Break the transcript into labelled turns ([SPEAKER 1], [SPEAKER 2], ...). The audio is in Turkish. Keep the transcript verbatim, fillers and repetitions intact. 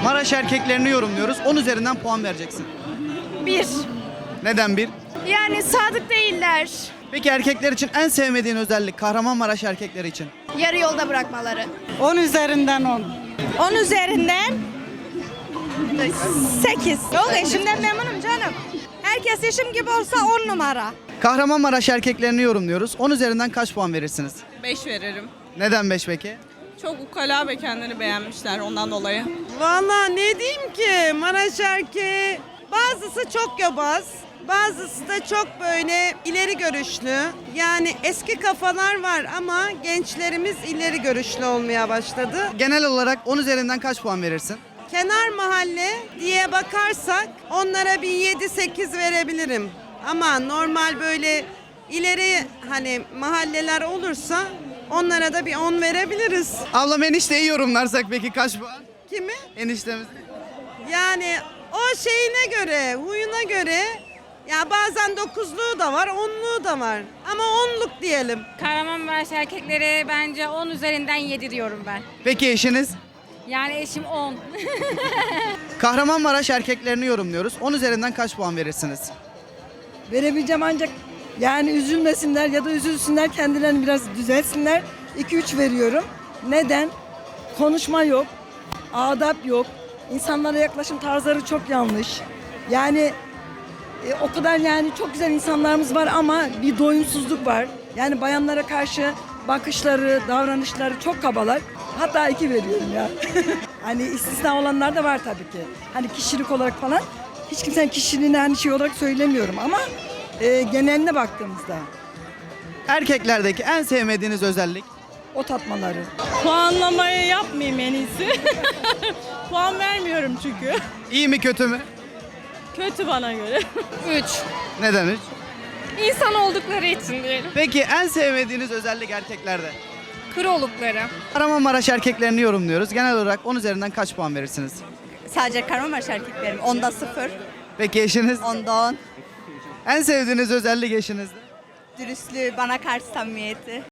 [SPEAKER 1] Maraş erkeklerini yorumluyoruz. on üzerinden puan vereceksin.
[SPEAKER 2] Bir.
[SPEAKER 1] Neden bir?
[SPEAKER 2] Yani sadık değiller.
[SPEAKER 1] Peki erkekler için en sevmediğin özellik Kahramanmaraş erkekleri için?
[SPEAKER 2] Yarı yolda bırakmaları.
[SPEAKER 3] on üzerinden on.
[SPEAKER 2] On üzerinden sekiz.
[SPEAKER 3] Yok eşimden memnunum canım. Herkes eşim gibi olsa on numara.
[SPEAKER 1] Kahramanmaraş erkeklerini yorumluyoruz. on üzerinden kaç puan verirsiniz?
[SPEAKER 4] beş veririm.
[SPEAKER 1] Neden beş peki?
[SPEAKER 4] Çok ukala ve kendini beğenmişler ondan dolayı.
[SPEAKER 5] Valla ne diyeyim ki Maraş erkeği bazısı çok yobaz, bazısı da çok böyle ileri görüşlü. Yani eski kafalar var ama gençlerimiz ileri görüşlü olmaya başladı.
[SPEAKER 1] Genel olarak on üzerinden kaç puan verirsin?
[SPEAKER 5] Kenar mahalle diye bakarsak onlara bir yedi sekiz verebilirim. Ama normal böyle ileri hani mahalleler olursa onlara da bir on verebiliriz.
[SPEAKER 1] Ablam enişteyi yorumlarsak peki kaç puan?
[SPEAKER 5] Kimi?
[SPEAKER 1] Eniştemiz.
[SPEAKER 5] Yani o şeyine göre, huyuna göre ya bazen dokuzluğu da var, onluğu da var. Ama onluk diyelim.
[SPEAKER 6] Kahramanmaraş erkekleri bence on üzerinden yedi diyorum ben.
[SPEAKER 1] Peki eşiniz?
[SPEAKER 6] Yani eşim on.
[SPEAKER 1] Kahramanmaraş erkeklerini yorumluyoruz. on üzerinden kaç puan verirsiniz?
[SPEAKER 7] Verebileceğim ancak yani üzülmesinler ya da üzülsünler, kendilerini biraz düzelsinler. iki üç veriyorum. Neden? Konuşma yok, adap yok, insanlara yaklaşım tarzları çok yanlış. Yani e, o kadar yani çok güzel insanlarımız var ama bir doyumsuzluk var. Yani bayanlara karşı bakışları, davranışları çok kabalar. Hatta iki veriyorum ya. Hani istisna olanlar da var tabii ki. Hani kişilik olarak falan. Hiç kimsenin kişiliğini hani şey olarak söylemiyorum ama e, geneline baktığımızda
[SPEAKER 1] Erkeklerdeki en sevmediğiniz özellik?
[SPEAKER 7] o tatmaları.
[SPEAKER 4] Puanlamayı yapmayayım en iyisi. Puan vermiyorum çünkü.
[SPEAKER 1] İyi mi kötü mü?
[SPEAKER 4] Kötü bana göre.
[SPEAKER 6] üç.
[SPEAKER 1] Neden üç?
[SPEAKER 6] İnsan oldukları için diyelim.
[SPEAKER 1] Peki en sevmediğiniz özellik erkeklerde?
[SPEAKER 6] Kır oldukları.
[SPEAKER 1] Kahramanmaraş erkeklerini yorumluyoruz. Genel olarak on üzerinden kaç puan verirsiniz?
[SPEAKER 3] Sadece Kahramanmaraş erkeklerim. Onda sıfır,
[SPEAKER 1] Peki eşiniz?
[SPEAKER 3] onda on.
[SPEAKER 1] En sevdiğiniz özellik eşinizde?
[SPEAKER 3] Dürüstlüğü, bana karşı samimiyeti.